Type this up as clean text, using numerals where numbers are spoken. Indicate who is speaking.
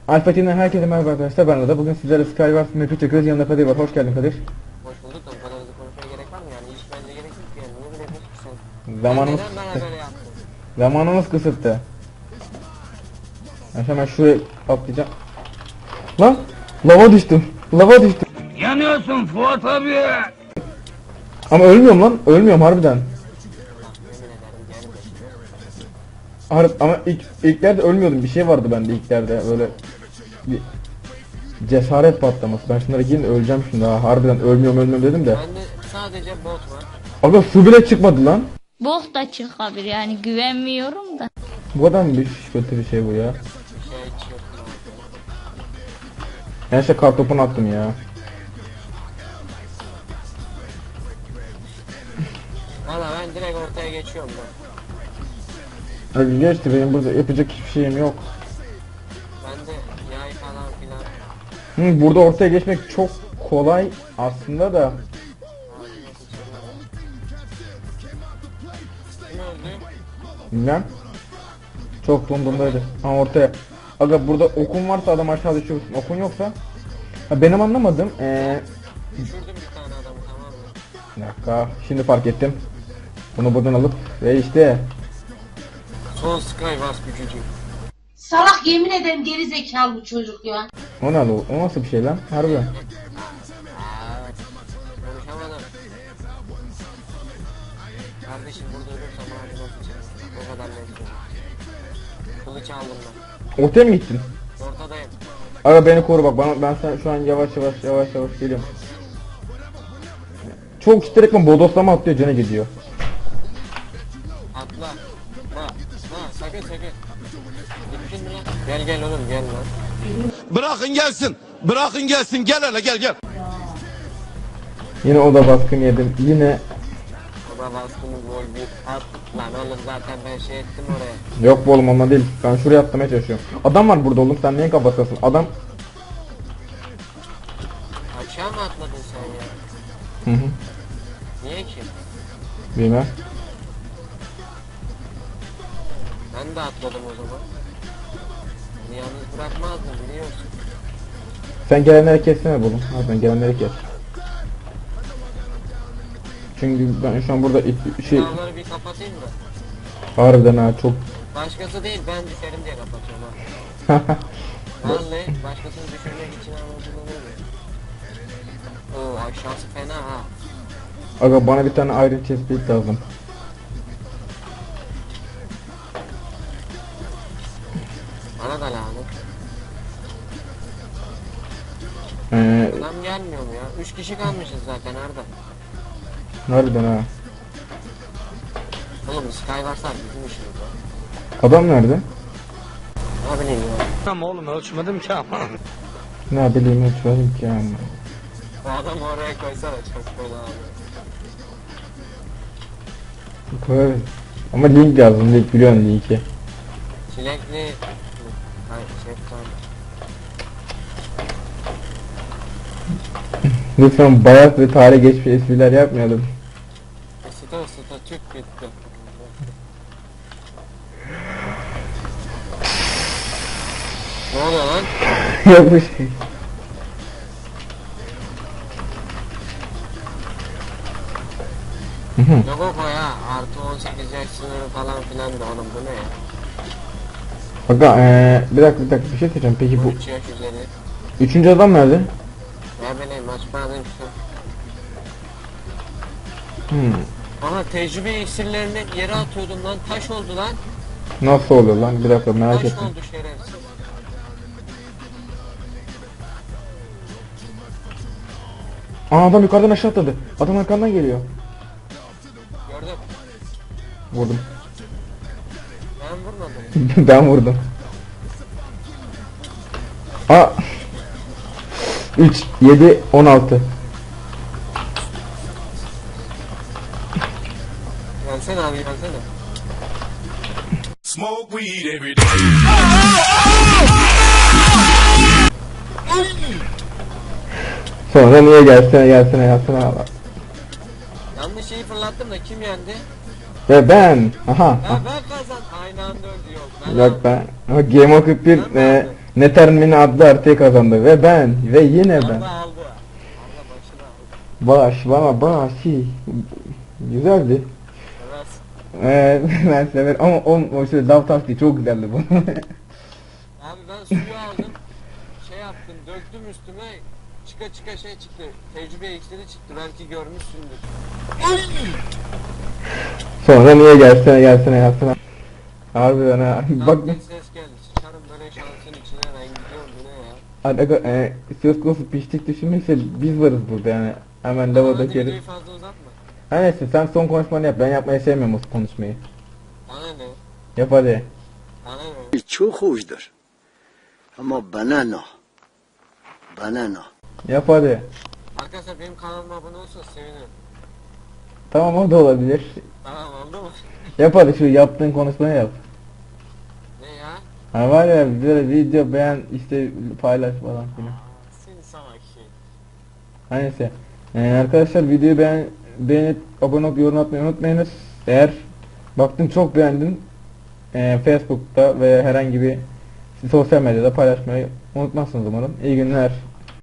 Speaker 1: Alfa TV'den herkese merhaba arkadaşlar, ben Arda. Bugün sizlerle Skywars map'i çekiyoruz. Yanımda Kadir var. Hoş geldin Kadir.
Speaker 2: Hoş bulduk da bu kadar hızlı konuşmaya gerek var mı yani? Hiç bence gerek yok yani. Niye böyle yapıyorsun sen?
Speaker 1: Zamanımız
Speaker 2: Neden bana böyle yaptın?
Speaker 1: Zamanımız kısıtlı. Ben hemen şuraya atlayacağım. Lan! Lava düştüm. Lava düştüm.
Speaker 3: Yanıyorsun Fuat abi.
Speaker 1: Ama ölmüyorum lan. Ölmüyorum harbiden.
Speaker 2: Yemin ederim geldi.
Speaker 1: Ama ilklerde ölmüyordum. Bir şey vardı bende ilklerde. Böyle bir cesaret patlaması. Ben şunlara girin öleceğim şimdi ha. Harbiden ölmüyorum dedim de.
Speaker 2: Bende sadece bot var.
Speaker 1: Aga su bile çıkmadı lan.
Speaker 4: Bok da çıkabilir yani güvenmiyorum da.
Speaker 1: Bu kadar mı kötü bir şey bu ya?
Speaker 2: Bir şey hiç yok.
Speaker 1: Ben işte kartopunu attım ya.
Speaker 2: Valla ben direkt ortaya geçiyorum ben.
Speaker 1: Abi geçti, benim burada yapacak hiçbir şeyim yok.
Speaker 2: Bende yay falan filan.
Speaker 1: Burada ortaya geçmek çok kolay aslında da.
Speaker 2: Kim öldü?
Speaker 1: Bilmem. Çok dondurmaydı. Ha ortaya. Aga burada okun varsa adam aşağı düşüyorsun. Okun yoksa. Ha, benim anlamadım.
Speaker 2: Düşürdüm bir tane adamı, tamam mı?
Speaker 1: Bir dakika. Şimdi fark ettim. Bunu buradan alıp ve işte.
Speaker 2: Son Skywars gücücü.
Speaker 5: Salak, yemin ederim geri zekalı bu çocuk ya.
Speaker 1: O ne lan? O nasıl bir şey lan? Harbiden.
Speaker 2: Konuşamadım. Kardeşim burada ölürsem ağzına sıçarım. O kadar net. Kılıç aldım ben.
Speaker 1: Ortaya mı gittin?
Speaker 2: Ortadayım.
Speaker 1: Aga beni koru bak. Ben şu an yavaş geliyorum. Çok kitleyerek mi bodoslama atlıyor, canı gidiyor.
Speaker 2: Atla. Ha, sakın. Gittin mi lan? Gel oğlum gel lan.
Speaker 3: Bırakın gelsin. Gel hele gel.
Speaker 1: Yine o da baskın yedim. Yine
Speaker 2: Baba baskını gol bir at. Lan oğlum zaten ben şey ettim oraya.
Speaker 1: yok bu oğlum, onunla değil. Ben şuraya atlamaya çalışıyorum. Adam var burada oğlum, sen niye kapatasın? Adam.
Speaker 2: Aşağı mı atladın sen ya?
Speaker 1: Hı.
Speaker 2: Niye ki?
Speaker 1: Bilmem.
Speaker 2: Ben de atladım o zaman. Beni yalnız bırakmazdım biliyorsun.
Speaker 1: Sen gelenleri kessene oğlum. Harbiden gelenleri kes. Çünkü ben şu an burada şey
Speaker 2: Dağları bir kapatayım da.
Speaker 1: harbiden ha çok.
Speaker 2: Başkası değil ben düşerim diye kapatıyorum ha. Vallahi başkasını düşürmek için anlatılır. Oo aşağısı fena ha.
Speaker 1: Aga bana bir tane Iron Chestplate lazım.
Speaker 2: Bana da lanet. Adam gelmiyor mu ya? 3 kişi kalmışız zaten Arda.
Speaker 1: Harbiden ha.
Speaker 2: Oğlum Skywars'lar bizim işimiz ya.
Speaker 1: Adam nerede?
Speaker 2: Ne bileyim ya.
Speaker 3: Ama oğlum ölçmedim ki ama.
Speaker 1: Ne bileyim hiç vereyim ki yani.
Speaker 2: Bu adamı oraya koysana çok fena abi.
Speaker 1: Koy. Ama link lazım, link biliyorsun linki.
Speaker 2: Çilekli... Hayır şeftali.
Speaker 1: Lütfen bayat ve tarih geçmiş espriler yapmayalım.
Speaker 2: Isıta tüp bitti. Ne oluyor lan?
Speaker 1: Yok bir şey.
Speaker 2: Yok o ya. Artı 18 yaş sınırı falan filan da oğlum bu ne ya?
Speaker 1: Aga bir dakika bir şey söyleyeceğim. Peki bu
Speaker 2: 13 yaş üzeri.
Speaker 1: üçüncü adam nerede?
Speaker 2: Ne bileyim açmadın işte. Aha tecrübe iksirlerini yere atıyordum lan. Taş oldu lan.
Speaker 1: Nasıl oluyor lan? Bir dakika merak
Speaker 2: Taş
Speaker 1: ettim.
Speaker 2: oldu şerefsiz.
Speaker 1: Adam yukarıdan aşağı atladı. Adam arkandan geliyor.
Speaker 2: Gördüm.
Speaker 1: Vurdum.
Speaker 2: Ben vurmadım.
Speaker 1: Ben vurdum. 3, 7, 16.
Speaker 2: Gelsene abi gelsene.
Speaker 3: Smoke weed every day.
Speaker 1: Sonra niye gelsene
Speaker 2: Yanlış şeyi fırlattım da kim yendi?
Speaker 1: Ve ben. Aha.
Speaker 2: Ha ben kazan. Aynı anda öldü yok. Ben
Speaker 1: Yok ben. Ama Game of 41
Speaker 2: Ben mi aldım?
Speaker 1: Nether Mini adlı haritayı kazandı ve ben ve yine ben.
Speaker 2: Allah aldı. Allah başını aldı.
Speaker 1: Baş bana baş. Güzeldi.
Speaker 2: Evet.
Speaker 1: Ben severim ama o şey lav taktiği çok güzeldi bu.
Speaker 2: Abi ben suyu aldım. Şey yaptım, döktüm üstüme. Çıka çıka şey çıktı. Tecrübe iksiri çıktı. Belki görmüşsündür.
Speaker 1: Sonra niye gelsene yapsana. Harbiden ha. Bak
Speaker 2: Bak bir ses geldi. Sıçarım böyle şansın içine, ben gidiyorum bu ne ya.
Speaker 1: söz konusu piştik düşünmekse biz varız burada yani. Hemen
Speaker 2: Hadi
Speaker 1: lavadaki
Speaker 2: videoyu
Speaker 1: herif.
Speaker 2: fazla uzatma.
Speaker 1: Ha neyse sen son konuşmanı yap. Ben yapmayı sevmiyorum o konuşmayı.
Speaker 2: Bana ne?
Speaker 1: Yap hadi.
Speaker 2: Bana ne?
Speaker 6: çok hoşdur. Ama bana ne? Bana ne?
Speaker 1: Yap hadi.
Speaker 2: Arkadaşlar benim kanalıma abone olursanız sevinirim.
Speaker 1: Tamam o da olabilir.
Speaker 2: Tamam oldu mu?
Speaker 1: Yap hadi şu yaptığın konuşmayı yap.
Speaker 2: Ne ya?
Speaker 1: Ha var ya böyle video beğen işte paylaş falan filan.
Speaker 2: Seni salak şey.
Speaker 1: Ha neyse. Arkadaşlar videoyu beğenip abone olup yorum atmayı unutmayınız. Eğer baktın çok beğendin Facebook'ta veya herhangi bir sosyal medyada paylaşmayı unutmazsınız umarım. İyi günler.